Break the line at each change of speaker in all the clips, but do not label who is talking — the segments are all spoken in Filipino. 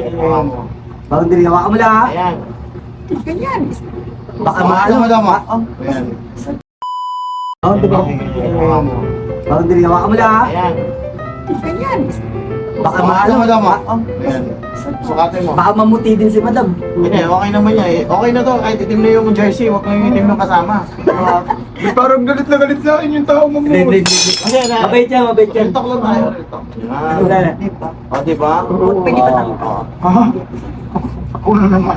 Boundary, hawakan mo lang ha.
Ayan.
Ganyan.
Baka maano mo lang ha.
Ayan.
Boundary, hawakan mo lang ha.
Ayan.
Ganyan.
Baka maano mo lang ha.
Ayan. Sukatin mo.
Baka mamuti din si madam.
Hindi, okay naman niya eh. Okay na to, kahit itim na yung jersey, huwag lang yung itim ng kasama.
Parang galit na galit sa akin yung tao mo.
Hindi.
Kasi na,
Mabait yan, mabait yan.
real talk lang tayo, real talk.
Wala
Yan.
na.
O, diba?
Pwede ba tayo?
Ha? Ako na naman.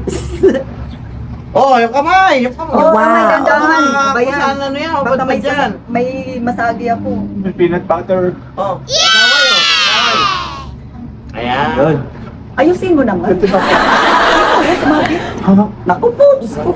Oh, yung kamay! Yung kamay!
Oh, may dandahan.
Ah,
Bayan.
kung saan ano yan?
Baka
Ba't
may,
ba dyan?
may masagi ako.
May peanut butter.
Oh, kamay oh. Kamay. Ayan.
Yun.
Ayusin mo naman.
Ito ba?
Ay, sumagi.
Naku po, Diyos ko.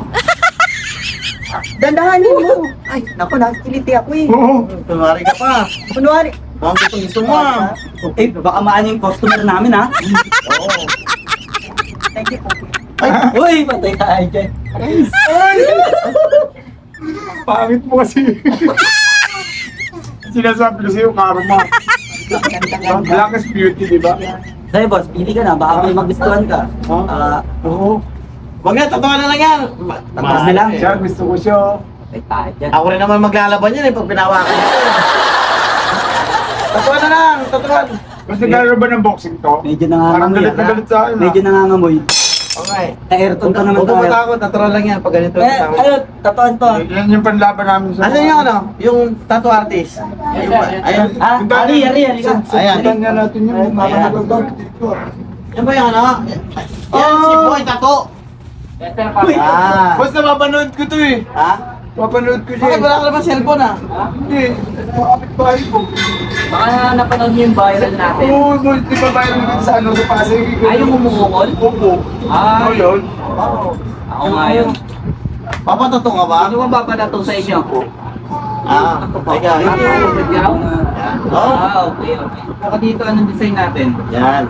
Dandahanin mo. Ay, naku, nakikiliti ako eh.
Oo.
Tumari ka pa.
Kunwari.
Baka gusto mo ah.
Eh, baka maano yung customer namin ha.
Oo.
Thank you po.
Uy, patay tayo dyan.
Ay! Pangit mo kasi. Sinasabi ko sa'yo, karma. Blackest beauty, di ba?
Sa'yo boss, pili ka na, baka may magustuhan ka.
Oo.
Huwag nga, totoo na lang yan.
Tapos na lang.
Siya, gusto ko siya.
Patay tayo dyan.
Ako rin naman maglalaban yan eh, pag pinawakan ko. Totoo na lang, totoo.
Mas naglalaro ba ng boxing to?
Medyo
Parang
nangangamoy.
galit na galit sa akin.
Medyo nangangamoy.
Okay.
Na-aircon pa naman
Huwag ka
tayo.
matakot, natural lang yan pag ganito.
Eh, ayun, tatoan to.
Yan yung panlaban namin sa...
Asan yung ano? Yung tattoo artist? Ayun.
Ah, ari ka.
Ayan.
Sundan niya natin yung
Ayan.
makakagagawin dito.
Yan ba yung ano? Yan si Boy Tattoo. Ah.
Basta mapanood ko to eh.
Ha?
Mapanood ko siya
Bakit wala ka naman cellphone ah?
Hindi. Makapit bahay ko.
Baka napanood niyo yung viral natin.
Oo, di ba bayan natin sa ano sa Pasig?
Ay, yung umukol?
Opo.
Ay.
Ano yun?
Ako nga yun.
Papatato ka ba?
Ano ba papadato sa inyo?
Ah, teka.
Ikaw?
Oo.
Okay. Saka dito, anong design natin?
Yan.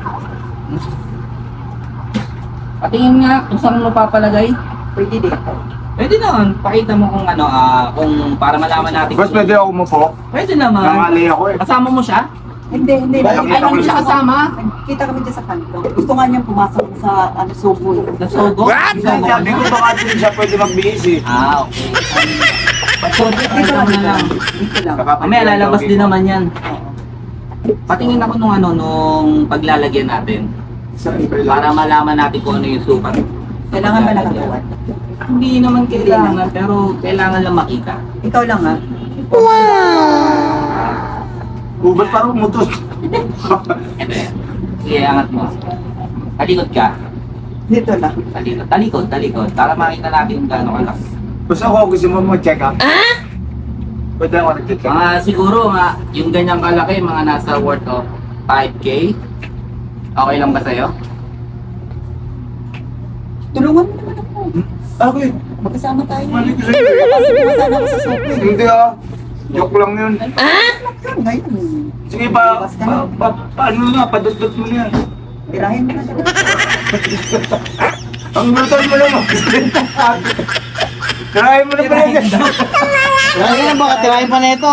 Patingin nga kung saan mo papalagay.
Pwede dito.
Pwede naman. Pakita mo kung ano, kung para malaman natin.
Boss, pwede ako umupo?
Pwede naman.
Nangali ako eh.
Kasama mo siya?
Hindi.
Ay, hindi siya kasama.
Kita kami dyan sa kanto. Gusto nga niyang pumasok sa subo.
Sa Sogo?
Sabi ko baka din siya pwede magbihis eh.
Okay. So, dito na lang.
Dito lang.
Mamaya lalabas din naman yan. Patingin ako nung paglalagyan natin. Para malaman natin kung ano yung sukat.
Kailangan ba nakagawan?
Hindi naman kailangan, pero kailangan lang makita.
Ikaw lang ha.
Ba't parang umutos?
Ito yan. Sige, angat mo. Talikod ka.
Dito lang.
Talikod. Para makita natin kung gaano kalak.
Basta ako gusto mo mag-check up. Pwede ako nag-check up.
Mga siguro, yung ganyang kalaki, mga nasa worth of 5K. Okay lang ba sa'yo?
Tulungan mo naman ako.
Okay.
Magkasama tayo.
Mali ko sa'yo.
Masana ako sa subo.
Hindi ah. Joke lang yun.
Ngayon.
Sige paano na, padudot mo na yan.
Tirahin mo na talaga.
Ang brutal mo naman. Tirahin mo na pala yan.
Lagi na baka tirahin pa nito.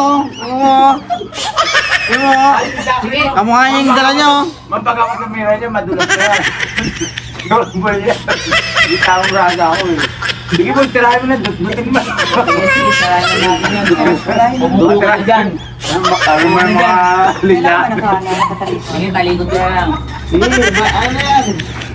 Kamukha niya yung dala niya oh.
Mapag ako tumira niya, madulas na yan. Gawin mo yan. Hindi taong raga ako eh. Sige po, tirahin mo na, dutbutin mo.
Pumuro ka dyan.
Ano mo yung mga linya?
Kailangan nakatalito.
Sige, talikod ka lang.
Sige, ano na yan?